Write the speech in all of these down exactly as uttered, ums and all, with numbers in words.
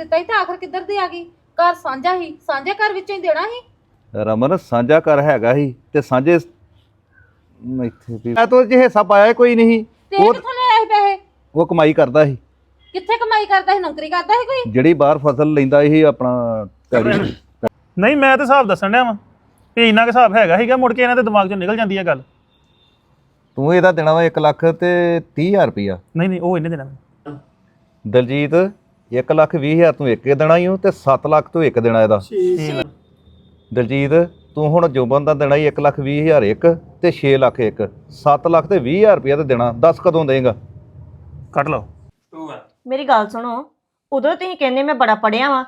ਦਿੱਤਾ ਸੀ ਤੇ ਆਖਰ ਕਿੱਧਰ ਦੀ ਆ ਗਈ? ਘਰ ਸਾਂਝਾ ਹੀ, ਸਾਂਝੇ ਘਰ ਵਿੱਚੋਂ ਹੀ ਦੇਣਾ ਸੀ। ਰਮਨ ਸਾਂਝਾ ਘਰ ਹੈਗਾ ਹੀ ਤੇ ਸਾਂਝੇ ਇੱਥੇ ਵੀ ਮੈਂ ਤਾਂ ਜੇ ਹਿੱਸਾ ਪਾਇਆ ਕੋਈ ਨਹੀਂ। ਤੇ ਇਹ ਕਿੱਥੋਂ ਲੈ ਆਏ ਪੈਸੇ? ਉਹ ਕਮਾਈ ਕਰਦਾ ਸੀ। ਕਿੱਥੇ ਕਮਾਈ ਕਰਦਾ ਸੀ? ਨੌਕਰੀ ਕਰਦਾ ਸੀ ਕੋਈ? ਜਿਹੜੀ ਬਾਹਰ ਫਸਲ ਲੈਂਦਾ ਸੀ ਆਪਣਾ ਪੈੜੀ। ਨਹੀਂ ਮੈਂ ਤਾਂ ਹਿਸਾਬ ਦੱਸਣ ਡਿਆ ਵਾਂ ਵੀ ਇੰਨਾ ਕੁ ਹਿਸਾਬ ਹੈਗਾ ਸੀਗਾ, ਮੁੜ ਕੇ ਇਹਨਾਂ ਦੇ ਦਿਮਾਗ ਚੋਂ ਨਿਕਲ ਜਾਂਦੀ ਹੈ ਗੱਲ। ਤੂੰ ਇਹਦਾ ਦੇਣਾ ਵਾ ਇੱਕ ਲੱਖ ਤੇ ਤੀਹ ਹਜ਼ਾਰ ਰੁਪਈਆ। ਨਹੀਂ ਨਹੀਂ ਉਹ ਇਹਨੇ ਦੇਣਾ। ਦਲਜੀਤ ਇੱਕ ਲੱਖ ਵੀਹ ਹਜ਼ਾਰ ਤੂੰ ਇੱਕ ਦੇਣਾ ਹੀ ਹੋ ਤੇ ਸੱਤ ਲੱਖ ਤੂੰ ਇੱਕ ਦੇਣਾ ਇਹਦਾ। ਦਲਜੀਤ ਤੂੰ ਹੁਣ ਜੋਬਨ ਦਾ ਦੇਣਾ ਹੀ ਇੱਕ ਲੱਖ ਵੀਹ ਹਜ਼ਾਰ ਇੱਕ ਤੇ ਛੇ ਲੱਖ ਇੱਕ, ਸੱਤ ਲੱਖ ਤੇ ਵੀਹ ਹਜ਼ਾਰ ਰੁਪਈਆ ਤੇ ਦੇਣਾ। ਦੱਸ ਕਦੋਂ ਦੇਂਗਾ? ਕੱਟ ਲਓ। ਮੇਰੀ ਗੱਲ ਸੁਣੋ, ਉਦੋਂ ਤੁਸੀਂ ਕਹਿੰਦੇ ਮੈਂ ਬੜਾ ਪੜਿਆ ਵਾਂ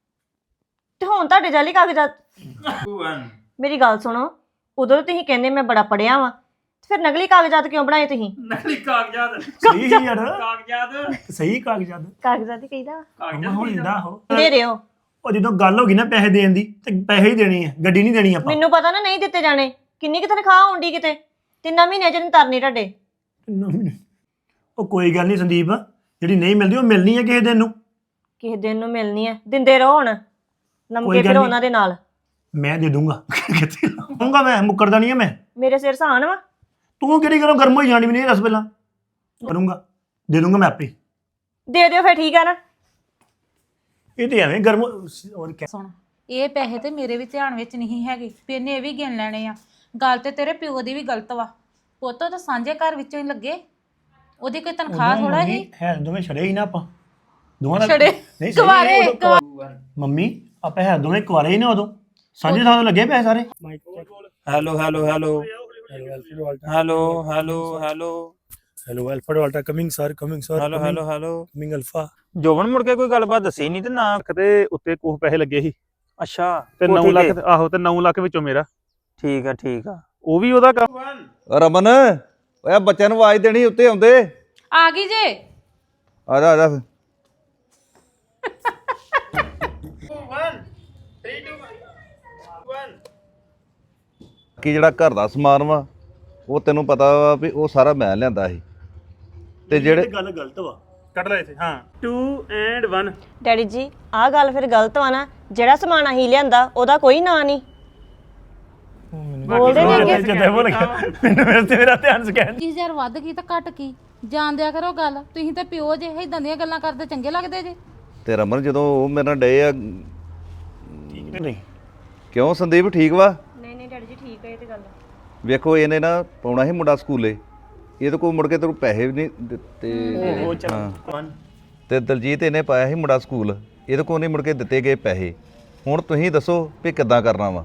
ਤੇ ਹੁਣ ਤੁਹਾਡੇ ਜਾਲੀ ਕਾਗਜ਼ਾਤ। ਮੇਰੀ ਗੱਲ ਸੁਣੋ, ਉਦੋਂ ਤੁਸੀਂ ਕਹਿੰਦੇ ਮੈਂ ਬੜਾ ਪੜਿਆ ਵਾਂ ਤੇ ਫਿਰ ਨਕਲੀ ਕਾਗਜ਼ਾਤ ਕਿਉਂ ਬਣਾਏ ਤੁਸੀਂ? ਨਕਲੀ ਕਾਗਜ਼ਾਤ ਸਹੀ ਯਾਰ, ਕਾਗਜ਼ਾਤ ਸਹੀ ਕਾਗਜ਼ਾਤ ਕਾਗਜ਼ਾਤ ਹੀ ਕਹੀਦਾ ਕਾਗਜ਼ਾਤ ਹੋ ਜਾਂਦਾ ਉਹ। ਦੇ ਰਹੇ ਹੋ। ਉਹ ਜਦੋਂ ਗੱਲ ਹੋ ਗਈ ਨਾ ਪੈਸੇ ਦੇਣ ਦੀ ਤੇ ਪੈਸੇ ਹੀ ਦੇਣੇ ਆ, ਗੱਡੀ ਨਹੀਂ ਦੇਣੀ ਆਪਾਂ। ਮੈਨੂੰ ਪਤਾ ਨਾ ਨਹੀਂ ਦਿੱਤੇ ਜਾਣੇ। ਕਿੰਨੀ ਕਿ ਤਨਖਾਹ ਆਉਂਦੀ ਕਿਤੇ ਤਿੰਨਾਂ ਮਹੀਨਿਆਂ ਚ ਨਹੀਂ ਤਰਨੀ ਤੁਹਾਡੇ। ਉਹ ਕੋਈ ਗੱਲ ਨਹੀਂ ਸੰਦੀਪ, ਜਿਹੜੀ ਨਹੀਂ ਮਿਲਦੀ ਉਹ ਮਿਲਣੀ ਹੈ ਕਿਸੇ ਦਿਨ ਨੂੰ। ਕਿਸੇ ਦਿਨ ਨੂੰ ਮਿਲਣੀ ਹੈ, ਦਿੰਦੇ ਰਹੋ ਹੁਣ ਨਮਕੇ ਫਿਰ ਉਹਨਾਂ ਦੇ ਨਾਲ। ਮੈਂ ਦੇ ਦੂੰਗਾ, ਕਿੱਥੇ ਦੂੰਗਾ ਮੈਂ, ਮੁੱਕਰਦਾ ਨਹੀਂ ਹੈ ਮੈਂ। ਮੇਰੇ ਸਿਰ ਸਹਾਨ ਵਾ। ਤੂੰ ਕਿਹੜੀ ਕਰੋ ਗਰਮ ਹੋਈ ਜਾਣੀ ਮੈਨੂੰ ਇਹ ਦੱਸ ਪਹਿਲਾਂ। ਕਰੂੰਗਾ, ਦੇ ਦੂੰਗਾ ਮੈਂ ਆਪੇ। ਦੇ ਦਿਓ ਫਿਰ, ਠੀਕ ਆ ਨਾ। ਇਹ ਤੇ ਐਵੇਂ ਗਰਮ ਹੋਰ ਕਿਆ। ਸੁਣ, ਇਹ ਪੈਸੇ ਤੇ ਮੇਰੇ ਵੀ ਧਿਆਨ ਵਿੱਚ ਨਹੀਂ ਹੈਗੇ ਵੀ ਇਹਨੇ ਇਹ ਵੀ ਗਿਣ ਲੈਣੇ ਆ। ਗੱਲ ਤੇ ਤੇਰੇ ਪਿਓ ਦੀ ਵੀ ਗਲਤ ਵਾ। ਪੁੱਤ ਤਾਂ ਸਾਂਝੇ ਘਰ ਵਿੱਚੋਂ ਹੀ ਲੱਗੇ, ਉਹਦੀ ਕੋਈ ਤਨਖਾਹ ਥੋੜਾ ਹੀ ਹੈ। ਦੋਵੇਂ ਛੜੇ ਹੀ ਨਾ ਆਪਾਂ ਦੋਵਾਂ ਦਾ। ਛੜੇ ਨਹੀਂ ਕੁਆਰੇ ਮੰਮੀ ਆਪਾਂ ਹੈ ਦੋਵੇਂ ਕੁਆਰੇ ਹੀ ਨਾ ਉਦੋਂ। ਸਾਂਝੇ ਥਾਂ ਤੋਂ ਲੱਗੇ ਪੈਸੇ ਸਾਰੇ। Hello hello hello hello hello hello hello alpha delta coming sir, coming sir, hello hello hello coming alpha. Joban ਮੁੜ ਕੇ ਕੋਈ ਗੱਲਬਾਤ ਦੱਸੀ ਨਹੀਂ ਤੇ ਨਾ ਤੇ ਉੱਤੇ ਕੋਹ ਪੈਸੇ ਲੱਗੇ ਸੀ ਅੱਛਾ ਤੇ ਨੌ ਲੱਖ। ਆਹੋ ਤੇ ਨੌ ਲੱਖ ਵਿੱਚੋਂ ਮੇਰਾ। ਠੀਕ ਆ ਠੀਕ ਆ। ਉਹ ਵੀ ਉਹਦਾ ਕੰਮ। ਰਮਨ ਓਏ ਬੱਚਿਆਂ ਨੂੰ ਆਵਾਜ਼ ਦੇਣੀ, ਉੱਤੇ ਆਉਂਦੇ। ਆ ਗਈ ਜੇ। ਆ ਜਾ ਆ ਜਾ। ਕੀ ਜਿਹੜਾ ਘਰ ਦਾ ਸਮਾਨ ਵਾ ਉਹ ਤੈਨੂੰ ਪਤਾ ਵਾ ਵੀ ਉਹ ਸਾਰਾ ਮੈਂ ਲਿਆਂਦਾ ਸੀ ਤੇ ਜਿਹੜੇ ਗੱਲ ਗਲਤ ਵਾ। ਕੱਢ ਲੈ ਇੱਥੇ। ਹਾਂ ਟੂ ਐਂਡ ਵਨ। ਡੈਡੀ ਜੀ ਆਹ ਗੱਲ ਫਿਰ ਗਲਤ ਵਾ ਨਾ। ਜਿਹੜਾ ਸਮਾਨ ਅਸੀਂ ਲਿਆਂਦਾ ਉਹਦਾ ਕੋਈ ਨਾਂ ਨਹੀਂ। ਬੋਲਦੇ ਨੇ ਅੱਗੇ। ਜਦੋਂ ਬੋਲ ਗਿਆ ਮੈਨੂੰ ਮੇਰੇ ਤੇ ਮੇਰਾ ਧਿਆਨ ਸਕੈਨ। ਵੀਹ ਹਜ਼ਾਰ ਵੱਧ ਗਈ ਤਾਂ ਘਟ ਕੀ? ਜਾਣ ਦਿਆ ਕਰੋ ਗੱਲ। ਤੁਸੀਂ ਤੇ ਪਿਓ ਜੇ ਇਦਾਂ ਦੀਆਂ ਗੱਲਾਂ ਕਰਦੇ ਚੰਗੇ ਲੱਗਦੇ ਜੇ। ਤੇ ਰਮਨ ਜਦੋਂ ਉਹ ਮੇਰੇ ਨਾਲ ਡੇ ਆ ਠੀਕ ਨਹੀਂ। ਕਿਉਂ ਸੰਦੀਪ ਠੀਕ ਵਾ? ਨਹੀਂ ਨਹੀਂ ਡੈਡੀ ਜੀ ਠੀਕ ਹੈ ਇਹ ਤੇ ਗੱਲ। ਵੇਖੋ ਇਹਨੇ ਨਾ ਪਾਉਣਾ ਸੀ ਮੁੰਡਾ ਸਕੂਲੇ, ਇਹਦੇ ਕੋਲ ਮੁੜ ਕੇ ਤੈਨੂੰ ਪੈਸੇ ਵੀ ਨਹੀਂ ਦਿੱਤੇ। ਹਾਂ ਤੇ ਦਲਜੀਤ ਇਹਨੇ ਪਾਇਆ ਸੀ ਮੁੰਡਾ ਸਕੂਲ, ਇਹਦੇ ਕੋਲ ਨਹੀਂ ਮੁੜ ਕੇ ਦਿੱਤੇ ਗਏ ਪੈਸੇ। ਹੁਣ ਤੁਸੀਂ ਦੱਸੋ ਵੀ ਕਿੱਦਾਂ ਕਰਨਾ ਵਾ?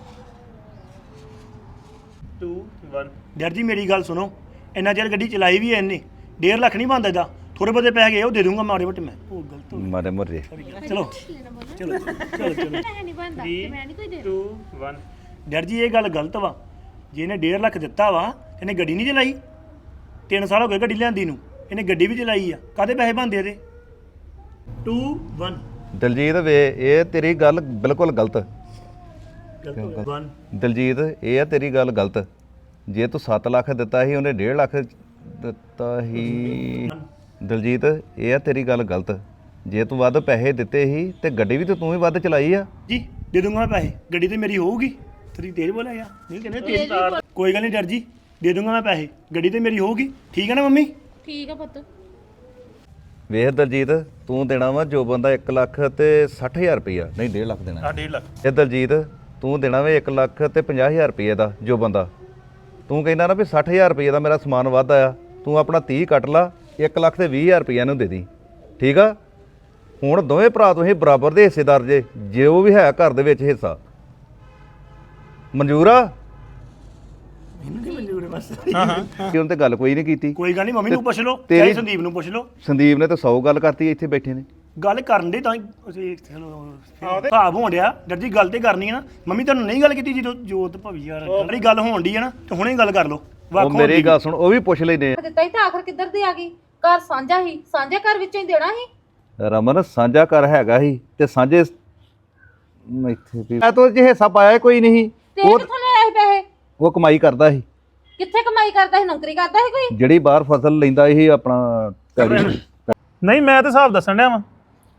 Two one. ਡੈਡ ਜੀ ਮੇਰੀ ਗੱਲ ਸੁਣੋ, ਇੰਨਾ ਚਿਰ ਗੱਡੀ ਚਲਾਈ ਵੀ ਐ ਇਹਨੇ। ਡੇਢ ਲੱਖ ਨਹੀਂ ਬਣਦਾ ਇਹਦਾ। ਥੋੜੇ ਬਹੁਤੇ ਪੈਸੇ ਗਏ ਉਹ ਦੇ ਦੂੰਗਾ ਮਾੜੇ ਮੋਟੇ। ਮੈਂ ਉਹ ਗਲਤ ਹੋ ਮਾਰੇ ਮਰੇ ਗਿਆ। ਚਲੋ ਚਲੋ ਚਲੋ ਚਲੋ ਟੂ ਵਨ। ਡੈਡ ਜੀ ਇਹ ਗੱਲ ਗਲਤ ਵਾ। ਜੇ ਇਹਨੇ ਡੇਢ ਲੱਖ ਦਿੱਤਾ ਵਾ ਇਹਨੇ ਗੱਡੀ ਨਹੀਂ ਚਲਾਈ। ਤਿੰਨ ਸਾਲ ਹੋ ਗਏ ਗੱਡੀ ਲਿਆਂਦੀ ਨੂੰ, ਇਹਨੇ ਗੱਡੀ ਵੀ ਚਲਾਈ ਆ। ਕਾਹਦੇ ਪੈਸੇ ਬਣਦੇ ਇਹਦੇ? To one. ਦਲਜੀਤ ਵੇ ਇਹ ਤੇਰੀ ਗੱਲ ਬਿਲਕੁਲ ਗਲਤ। ਵਨ। ਦਲਜੀਤ ਇਹ ਆ ਤੇਰੀ ਗੱਲ ਗਲਤ। ਜੇ ਤੂੰ ਸੱਤ ਲੱਖ ਦਿੱਤਾ ਸੀ ਉਹਨੇ ਡੇਢ ਲੱਖ ਦਿੱਤਾ ਸੀ। ਦਲਜੀਤ ਇਹ ਆ ਤੇਰੀ ਗੱਲ ਗਲਤ। ਜੇ ਤੂੰ ਵੱਧ ਪੈਸੇ ਦਿੱਤੇ ਸੀ ਤੇ ਗੱਡੀ ਵੀ ਤੇ ਤੂੰ ਹੀ ਵੱਧ ਚਲਾਈ ਆ। ਜੀ ਦੇ ਦੂੰਗਾ ਮੈਂ ਪੈਸੇ, ਗੱਡੀ ਤੇ ਮੇਰੀ ਹੋਊਗੀ। ਤੇਰੀ ਤੇਜ਼ ਬੋਲਿਆ ਯਾਰ। ਨਹੀਂ ਕਹਿੰਦੇ ਤੇਜ਼ ਤਾਰ। ਕੋਈ ਗੱਲ ਨਹੀਂ ਡਰ ਜੀ, ਦੇ ਦੂੰਗਾ ਮੈਂ ਪੈਸੇ, ਗੱਡੀ ਤੇ ਮੇਰੀ ਹੋਊਗੀ। ਠੀਕ ਹੈ ਨਾ ਮੰਮੀ? ਠੀਕ ਆ ਪੁੱਤ। ਵੇਖ ਦਲਜੀਤ ਤੂੰ ਦੇਣਾ ਵਾ ਜੋ ਬੰਦਾ ਇੱਕ ਲੱਖ ਤੇ ਸੱਠ ਹਜ਼ਾਰ ਰੁਪਈਆ, ਨਹੀਂ ਡੇਢ ਲੱਖ ਦੇਣਾ। ਆ ਡੇਢ ਲੱਖ। ਇਹ ਦਲਜੀਤ ਤੂੰ ਦੇਣਾ ਵਾ ਇੱਕ ਲੱਖ ਤੇ ਪੰਜਾਹ ਹਜ਼ਾਰ ਰੁਪਈਏ ਦਾ ਜੋ ਬੰਦਾ। ਤੂੰ ਕਹਿੰਦਾ ਨਾ ਵੀ ਸੱਠ ਹਜ਼ਾਰ ਰੁਪਈਏ ਦਾ ਮੇਰਾ ਸਮਾਨ ਵੱਧ ਆਇਆ, ਤੂੰ ਆਪਣਾ ਤੀਹ ਕੱਟ ਲਾ, ਇੱਕ ਲੱਖ ਤੇ ਵੀਹ ਹਜ਼ਾਰ ਰੁਪਈਆ ਨੂੰ ਦੇ ਦੀ। ਠੀਕ ਆ? ਹੁਣ ਦੋਵੇਂ ਭਰਾ ਤੁਸੀਂ ਬਰਾਬਰ ਦੇ ਹਿੱਸੇਦਾਰ ਜੇ, ਜੇ ਉਹ ਵੀ ਹੈ ਘਰ ਦੇ ਵਿੱਚ ਹਿੱਸਾ। ਮਨਜ਼ੂਰ ਆ? ਮਨਜ਼ੂਰ ਹੈ ਬਸ। ਕਿ ਉਹਨੇ ਤੇ ਗੱਲ ਕੋਈ ਨਹੀਂ ਕੀਤੀ। ਕੋਈ ਗੱਲ ਨਹੀਂ ਮੰਮੀ ਨੂੰ ਪੁੱਛ ਲਓ, ਤੇਰੀ- ਚਾਹੇ ਸੰਦੀਪ ਨੂੰ ਪੁੱਛ ਲਓ। ਸੰਦੀਪ ਨੇ ਤਾਂ ਸੌ ਗੱਲ ਕਰਤੀ ਇੱਥੇ ਬੈਠੇ ਨੇ। ਗੱਲ ਕਰਨ ਦੇ ਤਾਂ ਅਸੀਂ ਭਾਵ ਹੋਣ ਡਿਆ। ਡਰ ਜੀ ਗੱਲ ਤੇ ਕਰਨੀ ਹੈ ਨਾ। ਮੰਮੀ ਤੁਹਾਨੂੰ ਨਹੀਂ ਗੱਲ ਕੀਤੀ ਜਦੋਂ ਜੋਤ ਭਵੀ ਯਾਰ ਜਿਹੜੀ ਗੱਲ ਹੋਣ ਡਈ ਹੈ ਨਾ ਤੇ ਹੁਣੇ ਗੱਲ ਕਰ ਲਓ। ਉਹ ਮੇਰੀ ਗੱਲ ਸੁਣ, ਉਹ ਵੀ ਪੁੱਛ ਲੈਨੇ ਦਿੱਤਾ ਸੀ ਤੇ ਆਖਰ ਕਿੱਧਰ ਦੀ ਆ ਗਈ? ਘਰ ਸਾਂਝਾ ਹੀ, ਸਾਂਝੇ ਘਰ ਵਿੱਚੋਂ ਹੀ ਦੇਣਾ ਸੀ। ਰਮਨ ਸਾਂਝਾ ਘਰ ਹੈਗਾ ਹੀ ਤੇ ਸਾਂਝੇ ਇੱਥੇ ਵੀ ਮੈਂ ਤਾਂ ਜੇ ਹਿੱਸਾ ਪਾਇਆ ਕੋਈ ਨਹੀਂ। ਤੇ ਇਹ ਕਿੱਥੋਂ ਲੈ ਆਏ ਪੈਸੇ? ਉਹ ਕਮਾਈ ਕਰਦਾ ਸੀ। ਕਿੱਥੇ ਕਮਾਈ ਕਰਦਾ ਸੀ? ਨੌਕਰੀ ਕਰਦਾ ਸੀ ਕੋਈ? ਜਿਹੜੀ ਬਾਹਰ ਫਸਲ ਲੈਂਦਾ ਸੀ ਆਪਣਾ ਪੈੜੀ। ਨਹੀਂ ਮੈਂ ਤਾਂ ਹਿਸਾਬ ਦੱਸਣ ਡਿਆ ਵਾਂ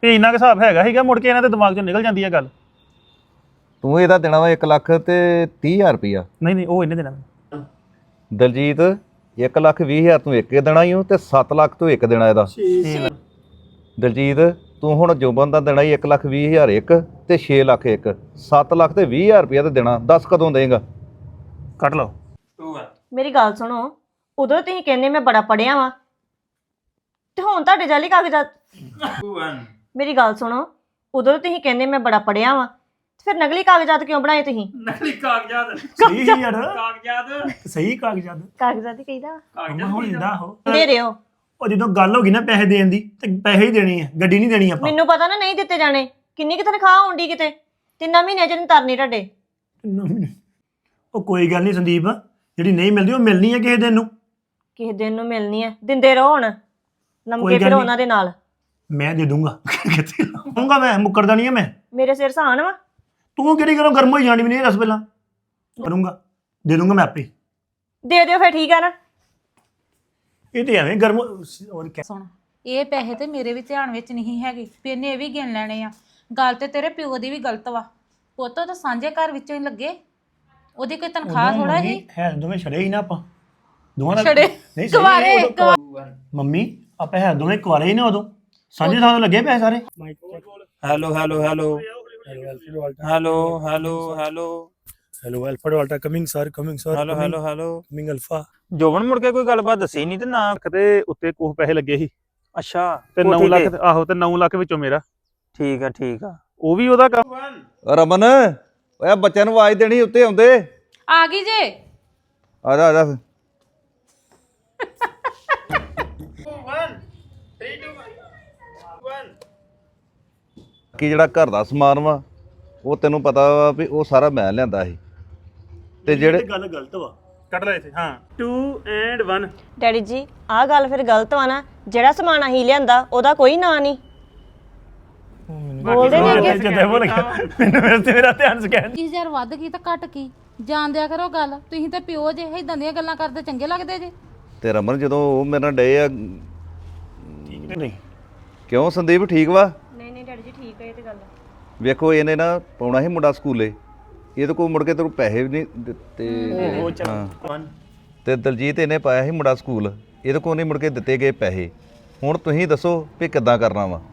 ਵੀ ਇੰਨਾ ਕੁ ਹਿਸਾਬ ਹੈਗਾ ਸੀਗਾ ਮੁੜ ਕੇ ਇਹਨਾਂ ਦੇ ਦਿਮਾਗ ਚੋਂ ਨਿਕਲ ਜਾਂਦੀ ਆ ਗੱਲ। ਤੂੰ ਇਹਦਾ ਦੇਣਾ ਵਾ ਇੱਕ ਲੱਖ ਤੇ ਤੀਹ ਹਜ਼ਾਰ ਰੁਪਈਆ। ਨਹੀਂ ਨਹੀਂ ਉਹ ਇਹਨੇ ਦੇਣਾ। ਦਲਜੀਤ ਇੱਕ ਲੱਖ ਵੀਹ ਹਜ਼ਾਰ ਤੂੰ ਇੱਕ ਦੇਣਾ ਹੀ ਹੋ ਤੇ ਸੱਤ ਲੱਖ ਤੂੰ ਇੱਕ ਦੇਣਾ ਇਹਦਾ। ਦਲਜੀਤ ਤੂੰ ਹੁਣ ਜੋਬਨ ਦਾ ਦੇਣਾ ਹੀ ਇੱਕ ਲੱਖ ਵੀਹ ਹਜ਼ਾਰ ਇੱਕ ਤੇ ਛੇ ਲੱਖ ਇੱਕ, ਸੱਤ ਲੱਖ ਤੇ ਵੀਹ ਹਜ਼ਾਰ ਰੁਪਈਆ ਤੇ ਦੇਣਾ। ਦੱਸ ਕਦੋਂ ਦੇਂਗਾ? ਕੱਟ ਲਓ। ਮੇਰੀ ਗੱਲ ਸੁਣੋ, ਉਦੋਂ ਤੁਸੀਂ ਕਹਿੰਦੇ ਮੈਂ ਬੜਾ ਪੜਿਆ ਵਾਂ ਤੇ ਹੁਣ ਤੁਹਾਡੇ ਜਾਲੀ ਕਾਗਜ਼ਾਤ। ਮੇਰੀ ਗੱਲ ਸੁਣੋ, ਉਦੋਂ ਤੁਸੀਂ ਕਹਿੰਦੇ ਮੈਂ ਬੜਾ ਪੜਿਆ ਵਾਂ ਤੇ ਫਿਰ ਨਕਲੀ ਕਾਗਜ਼ਾਤ ਕਿਉਂ ਬਣਾਏ ਤੁਸੀਂ? ਨਕਲੀ ਕਾਗਜ਼ਾਤ ਸਹੀ ਯਾਰ ਕਾਗਜ਼ਾਤ ਸਹੀ ਕਾਗਜ਼ਾਤ ਕਾਗਜ਼ਾਤ ਹੀ ਕਹੀਦਾ ਕਾਗਜ਼ਾਤ ਹੋ ਜਾਂਦਾ ਹੋ ਦੇ ਰਹੇ ਹੋ। ਉਹ ਜਦੋਂ ਗੱਲ ਹੋ ਗਈ ਨਾ ਪੈਸੇ ਦੇਣ ਦੀ ਤੇ ਪੈਸੇ ਹੀ ਦੇਣੇ ਆ, ਗੱਡੀ ਨਹੀਂ ਦੇਣੀ ਆਪਾਂ। ਮੈਨੂੰ ਪਤਾ ਨਾ ਨਹੀਂ ਦਿੱਤੇ ਜਾਣੇ। ਕਿੰਨੀ ਕਿ ਤਨਖਾਹ ਹੁੰਦੀ ਕਿਤੇ ਤਿੰਨਾਂ ਮਹੀਨਿਆਂ ਚ ਨਹੀਂ ਤਰਨੀ ਤੁਹਾਡੇ। ਉਹ ਕੋਈ ਗੱਲ ਨਹੀਂ ਸੰਦੀਪ, ਜਿਹੜੀ ਨਹੀਂ ਮਿਲਦੀ ਉਹ ਮਿਲਣੀ ਹੈ ਕਿਸੇ ਦਿਨ ਨੂੰ। ਕਿਸੇ ਦਿਨ ਨੂੰ ਮਿਲਣੀ ਹੈ, ਦਿੰਦੇ ਰਹੋ ਹੁਣ ਲੰਮਕੇ ਕੋਈ ਗੱਲ ਫਿਰ ਨੀ। ਉਹਨਾਂ ਦੇ ਨਾਲ। ਮੈਂ ਦੇ ਦੂੰਗਾ ਕਿੱਥੇ ਲਾਉਂਗਾ, ਮੈਂ ਮੁੱਕਰਦਾ ਨਹੀਂ ਆ ਮੈਂ। ਮੇਰੇ ਸਿਰ ਸਹਾਨ ਵਾ। ਤੂੰ ਕਿਹੜੀ ਗੱਲੋਂ ਗਰਮ ਹੋਈ ਜਾਣੀ ਮੈਨੂੰ ਇਹ ਦੱਸ ਪਹਿਲਾਂ। ਕਰੂੰਗਾ ਦੇ ਦੂੰਗਾ ਮੈਂ ਆਪੇ। ਦੇ ਦਿਓ ਫਿਰ ਠੀਕ ਆ ਨਾ। ਇਹ ਤੇ ਐਵੇਂ ਗਰਮ ਹੋਰ ਕਿਆ। ਸੁਣ, ਇਹ ਪੈਸੇ ਤੇ ਮੇਰੇ ਵੀ ਧਿਆਨ ਵਿੱਚ ਨਹੀਂ ਹੈਗੇ ਵੀ ਇਹਨੇ ਇਹ ਵੀ ਗਿਣ ਲੈਣੇ ਆ। ਗੱਲ ਤੇ ਤੇਰੇ ਪਿਓ ਦੀ ਵੀ ਗਲਤ ਵਾ। ਪੁੱਤ ਤਾਂ ਸਾਂਝੇ ਘਰ ਵਿੱਚੋਂ ਹੀ ਲੱਗੇ, ਉਹਦੀ ਕੋਈ ਤਨਖਾਹ ਥੋੜਾ ਹੀ ਹੈ। ਦੋਵੇਂ ਛੜੇ ਹੀ ਨਾ ਆਪਾਂ ਦੋਵਾਂ ਦਾ ਛੜੇ ਨਹੀਂ ਸਹੀ ਕੁਆਰੇ, ਉਦੋਂ ਕੁਆ- ਮੰਮੀ ਆਪਾਂ ਹੈ ਦੋਵੇਂ ਕੁਆਰੇ ਹੀ ਨਾ ਉਦੋਂ ਸਾਂਝੇ ਥਾਂ ਤੋਂ ਲੱਗੇ ਪੈਸੇ ਸਾਰੇ। Hello hello hello hello hello hello hello alpha delta coming sir coming sir hello hello hello coming alpha. Joban ਮੁੜ ਕੇ ਕੋਈ ਗੱਲਬਾਤ ਦੱਸੀ ਨਹੀਂ ਤੇ ਨਾ। ਕਿਤੇ ਉੱਤੇ ਕੁਝ ਪੈਸੇ ਲੱਗੇ ਸੀ ਅੱਛਾ ਤੇ ਕੋਠੀ ਨੌ ਲੱਖ ਤੇ। ਆਹੋ ਤੇ ਨੌ ਲੱਖ ਵਿੱਚੋਂ ਮੇਰਾ। ਠੀਕ ਆ ਠੀਕ ਆ। ਉਹ ਵੀ ਉਹਦਾ ਕੰਮ। ਰਮਨ ਓਏ ਬੱਚਿਆਂ ਨੂੰ ਆਵਾਜ਼ ਦੇਣੀ, ਉੱਤੇ ਆਉਂਦੇ। ਆ ਗਈ ਜੇ। ਆ ਜਾ ਆ ਜਾ। ਕੀ ਜਿਹੜਾ ਘਰ ਦਾ ਸਮਾਨ ਵਾ ਉਹ ਤੈਨੂੰ ਪਤਾ ਵਾ ਵੀ ਉਹ ਸਾਰਾ ਮੈਂ ਲਿਆਂਦਾ ਸੀ ਤੇ ਜਿਹੜੇ ਗੱਲ ਗਲਤ ਵਾ। ਕੱਟ ਲੈ ਇੱਥੇ। ਹਾਂ ਟੂ ਐਂਡ ਵਨ। ਡੈਡੀ ਜੀ ਆਹ ਗੱਲ ਫਿਰ ਗਲਤ ਵਾ ਨਾ। ਜਿਹੜਾ ਸਮਾਨ ਅਸੀਂ ਲਿਆਂਦਾ ਉਹਦਾ ਕੋਈ ਨਾਂ ਨਹੀਂ। ਬੋਲਦੇ ਨਹੀਂ ਅੱਗੇ। ਜਦੋਂ ਭੁੱਲ ਗਿਆ ਮੈਨੂੰ ਮੇਰੇ ਤੇ ਮੇਰਾ ਧਿਆਨ ਸਕੈਨ। ਵੀਹ ਹਜ਼ਾਰ ਵੱਧ ਗਈ ਤਾਂ ਘਟ ਕੀ, ਜਾਣਦਿਆ ਕਰੋ ਗੱਲ। ਤੁਸੀਂ ਤੇ ਪਿਓ ਜੇ ਇਦਾਂ ਦੀਆਂ ਗੱਲਾਂ ਕਰਦੇ ਚੰਗੇ ਲੱਗਦੇ ਜੇ। ਤੇ ਰਮਨ ਜਦੋਂ ਉਹ ਮੇਰੇ ਨਾਲ ਡੇ ਆ ਠੀਕ ਨਹੀਂ ਕਿਉਂ ਸੰਦੀਪ ਠੀਕ ਵਾ? ਨਹੀਂ ਨਹੀਂ ਡੈਡੀ ਜੀ ਠੀਕ ਹੈ ਇਹ ਤੇ ਗੱਲ। ਵੇਖੋ ਇਹਨੇ ਨਾ ਪਾਉਣਾ ਸੀ ਮੁੰਡਾ ਸਕੂਲੇ, ਇਹਦੇ ਕੋਲ ਮੁੜ ਕੇ ਤੈਨੂੰ ਪੈਸੇ ਵੀ ਨਹੀਂ ਦਿੱਤੇ। ਉਹ ਚੱਲ ਹਾਂ। ਵਨ ਤੇ ਦਲਜੀਤ ਇਹਨੇ ਪਾਇਆ ਸੀ ਮੁੰਡਾ ਸਕੂਲ, ਇਹਦੇ ਕੋਲ ਨਹੀਂ ਮੁੜ ਕੇ ਦਿੱਤੇ ਗਏ ਪੈਸੇ। ਹੁਣ ਤੁਸੀਂ ਦੱਸੋ ਵੀ ਕਿੱਦਾਂ ਕਰਨਾ ਵਾ?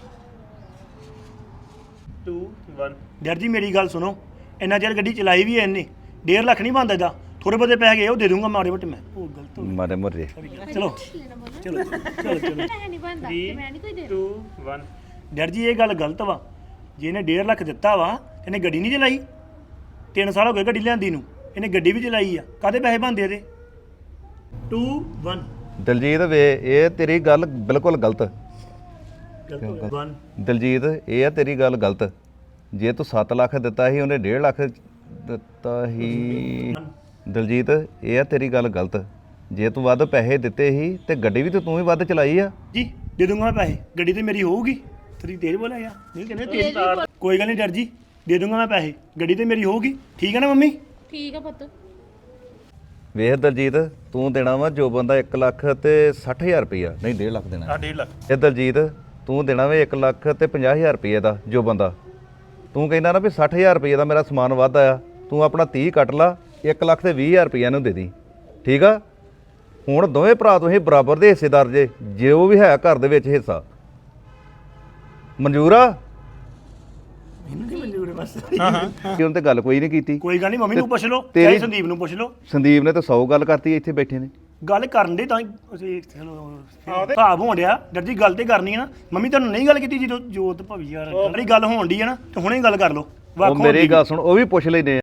Two one. ਡਰ ਜੀ ਮੇਰੀ ਗੱਲ ਸੁਣੋ, ਇੰਨਾ ਚਿਰ ਗੱਡੀ ਚਲਾਈ ਵੀ ਐ ਇਹਨੇ। ਡੇਢ ਲੱਖ ਨਹੀਂ ਬਣਦਾ ਇਹਦਾ, ਥੋੜੇ ਬਹੁਤੇ ਪੈਸੇ ਗਏ ਉਹ ਦੇ ਦੂੰਗਾ ਮਾੜੇ ਮੋਟੇ ਮੈਂ। ਉਹ ਗਲਤ ਹੋ ਮਾਰੇ ਮੁਰੇ ਗਿਆ। ਚਲੋ ਚਲੋ ਚਲੋ ਚਲੋ ਟੂ ਵਨ। ਡਰ ਜੀ ਇਹ ਗੱਲ ਗਲਤ ਵਾ। ਜੇ ਇਹਨੇ ਡੇਢ ਲੱਖ ਦਿੱਤਾ ਵਾ ਇਹਨੇ ਗੱਡੀ ਨਹੀਂ ਚਲਾਈ। ਤਿੰਨ ਸਾਲ ਹੋ ਗਏ ਗੱਡੀ ਲਿਆਂਦੀ ਨੂੰ, ਇਹਨੇ ਗੱਡੀ ਵੀ ਚਲਾਈ ਆ। ਕਾਹਦੇ ਪੈਸੇ ਬਣਦੇ ਇਹਦੇ? To one. ਦਲਜੀਤ ਵੇ ਇਹ ਤੇਰੀ ਗੱਲ ਬਿਲਕੁਲ ਗਲਤ। ਵਨ ਦਲਜੀਤ ਇਹ ਆ ਤੇਰੀ ਗੱਲ ਗਲਤ। ਜੇ ਤੂੰ ਸੱਤ ਲੱਖ ਦਿੱਤਾ ਸੀ ਉਹਨੇ ਡੇਢ ਲੱਖ ਦਿੱਤਾ ਸੀ। ਦਲਜੀਤ ਇਹ ਆ ਤੇਰੀ ਗੱਲ ਗਲਤ। ਜੇ ਤੂੰ ਵੱਧ ਪੈਸੇ ਦਿੱਤੇ ਸੀ ਤੇ ਗੱਡੀ ਵੀ ਤੇ ਤੂੰ ਹੀ ਵੱਧ ਚਲਾਈ ਆ। ਜੀ ਦੇ ਦੂੰਗਾ ਮੈਂ ਪੈਸੇ, ਗੱਡੀ ਤੇ ਮੇਰੀ ਹੋਊਗੀ। ਤੇਰੀ ਤੇਜ਼ ਬੋਲਿਆ ਯਾਰ, ਨਹੀਂ ਕਹਿੰਦੇ ਤੇਜ਼। ਕੋਈ ਗੱਲ ਨਹੀਂ ਡਰ ਜੀ, ਦੇ ਦੂੰਗਾ ਮੈਂ ਪੈਸੇ, ਗੱਡੀ ਤੇ ਮੇਰੀ ਹੋਊਗੀ। ਠੀਕ ਹੈ ਨਾ ਮੰਮੀ? ਠੀਕ ਆ ਪੁੱਤ। ਵੇਖ ਦਲਜੀਤ ਤੂੰ ਦੇਣਾ ਵਾ ਜੋ ਬੰਦਾ ਇੱਕ ਲੱਖ ਤੇ ਸੱਠ ਹਜ਼ਾਰ ਰੁਪਈਆ, ਨਹੀਂ ਡੇਢ ਲੱਖ ਦੇਣਾ। ਆ ਡੇਢ ਲੱਖ। ਇਹ ਦਲਜੀਤ ਤੂੰ ਦੇਣਾ ਵੇ ਇੱਕ ਲੱਖ ਤੇ ਪੰਜਾਹ ਹਜ਼ਾਰ ਰੁਪਈਏ ਦਾ ਜੋ ਬੰਦਾ। ਤੂੰ ਕਹਿੰਦਾ ਨਾ ਵੀ ਸੱਠ ਹਜ਼ਾਰ ਰੁਪਈਏ ਦਾ ਮੇਰਾ ਸਮਾਨ ਵੱਧ ਆਇਆ, ਤੂੰ ਆਪਣਾ ਤੀਹ ਕੱਟ ਲਾ, ਇੱਕ ਲੱਖ ਤੇ ਵੀਹ ਹਜ਼ਾਰ ਰੁਪਈਆ ਨੂੰ ਦੇ ਦੀ। ਠੀਕ ਆ? ਹੁਣ ਦੋਵੇਂ ਭਰਾ ਤੁਸੀਂ ਬਰਾਬਰ ਦੇ ਹਿੱਸੇਦਾਰ ਜੇ, ਜੋ ਵੀ ਹੈ ਘਰ ਦੇ ਵਿੱਚ ਹਿੱਸਾ। ਮਨਜ਼ੂਰ ਆ? ਮੈਨੂੰ ਨਹੀਂ ਮਨਜ਼ੂਰ ਬਸ। ਕਿ ਉਹਨੇ ਤੇ ਗੱਲ ਕੋਈ ਨਹੀਂ ਕੀਤੀ। ਕੋਈ ਗੱਲ ਨਹੀਂ, ਮੰਮੀ ਨੂੰ ਪੁੱਛ ਲਓ, ਤੇਰੀ- ਚਾਹੇ ਸੰਦੀਪ ਨੂੰ ਪੁੱਛ ਲਓ। ਸੰਦੀਪ ਨੇ ਤਾਂ ਸੌ ਗੱਲ ਕਰਤੀ ਇੱਥੇ ਬੈਠੇ ਨੇ। ਗੱਲ ਕਰਨ ਦੇ ਤਾਂ ਹੀ ਅਸੀਂ ਚਲੋ ਭਾਵ ਹੋਣ ਡਿਆ। ਡਰ ਜੀ ਗੱਲ ਤੇ ਕਰਨੀ ਹੈ ਨਾ। ਮੰਮੀ ਤੁਹਾਨੂੰ ਨਹੀਂ ਗੱਲ ਕੀਤੀ ਜਦੋਂ ਜੋਤ ਭਵੀ ਯਾਰ ਜਿਹੜੀ ਗੱਲ ਹੋਣ ਡਈ ਹੈ ਨਾ, ਤੇ ਹੁਣੇ ਗੱਲ ਕਰ ਲਓ। ਉਹ ਮੇਰੀ ਗੱਲ ਸੁਣ, ਉਹ ਵੀ ਪੁੱਛ ਲੈਨੇ ਆ।